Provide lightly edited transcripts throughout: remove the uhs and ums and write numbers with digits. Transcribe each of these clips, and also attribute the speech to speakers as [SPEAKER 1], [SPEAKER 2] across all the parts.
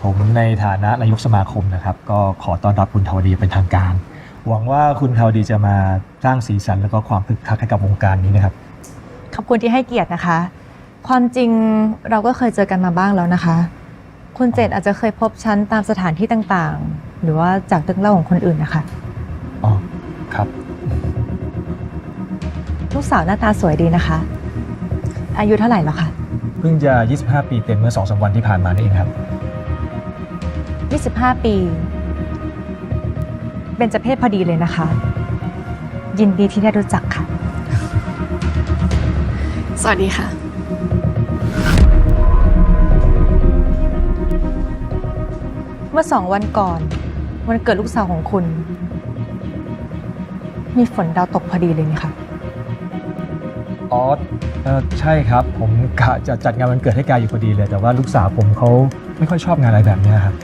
[SPEAKER 1] ผมในฐานะนายกสมาคมนะครับก็ขอต้อนรับคุณทวดีเป็นทางการหวังว่าคุณทวดีจะมาสร้างสีสันแล้วก็ความคึกคักให้กับวงการนี้นะครับ
[SPEAKER 2] ขอบคุณที่ให้เกียรตินะคะความจริงเราก็เคยเจอกันมาบ้างแล้วนะคะคุณเจตอาจจะเคยพบฉันตามสถานที่ต่างๆหรือว่าจากเรื่องเล่าของคนอื่นนะคะ
[SPEAKER 1] อ๋อครับ
[SPEAKER 2] ลูกสาวหน้าตาสวยดีนะคะอายุเท่าไหร่แล้วคะ
[SPEAKER 1] เพิ่งจะ25 ปีเต็มเมื่อ 2-3 วันที่ผ่านมานี่เองครับ
[SPEAKER 2] 25 ปีเบญจเพศพอดีเลยนะคะยินดีที่ได้รู้จักค่ะ
[SPEAKER 3] สวัสดีค่ะ
[SPEAKER 2] เมื่อ2 วันก่อนวันเกิดลูกสาวของคุณมีฝนดาวตกพอดีเลยนี่ค่ะ
[SPEAKER 1] อ๋อใช่ครับผมกะจะจัดงานวันเกิดให้กายอยู่พอดีเลยแต่ว่าลูกสาวผมเขาไม่ค่อยชอบงานอะไรแบบนี้ครับ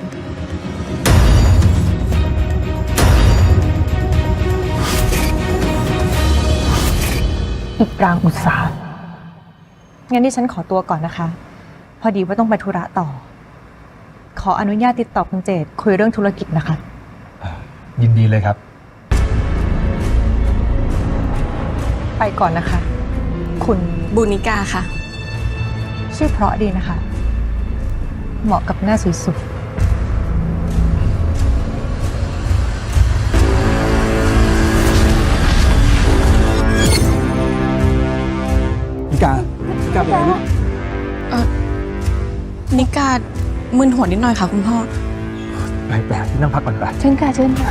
[SPEAKER 2] อีกปรางอุตสาหงั้นที่ฉันขอตัวก่อนนะคะพอดีว่าต้องไปธุระต่อขออนุญาตติดต่อคุณเจตคุยเรื่องธุรกิจนะคะ
[SPEAKER 1] ยินดีเลยครับ
[SPEAKER 2] ไปก่อนนะคะคุณ
[SPEAKER 3] บุนิกาค่ะ
[SPEAKER 2] ชื่อเพราะดีนะคะเหมาะกับหน้าสวย
[SPEAKER 1] นิกาไปไหนลูก
[SPEAKER 3] นิกามึนหัวนิดหน่อยค่ะคุณพ่อ
[SPEAKER 1] ไปหาที่นั่งพักก่อนไป
[SPEAKER 2] เชิญค่ะเชิญค่ะ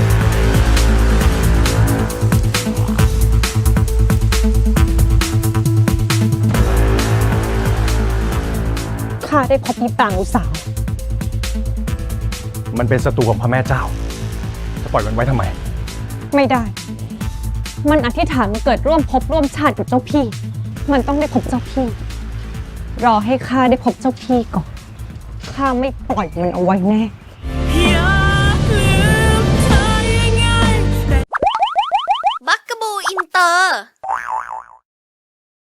[SPEAKER 4] ข้าได้พบมิตรต่างอุตสาห
[SPEAKER 1] มันเป็นศัตรูของพระแม่เจ้าจะปล่อยมันไว้ทำไม
[SPEAKER 4] ไม่ได้มันอธิษฐานมาเกิดร่วมภพร่วมชาติกับเจ้าพี่มันต้องได้พบเจ้าพี่รอให้ข้าได้พบเจ้าพี่ก่อนข้าไม่ปล่อยมันเอาไว้แน่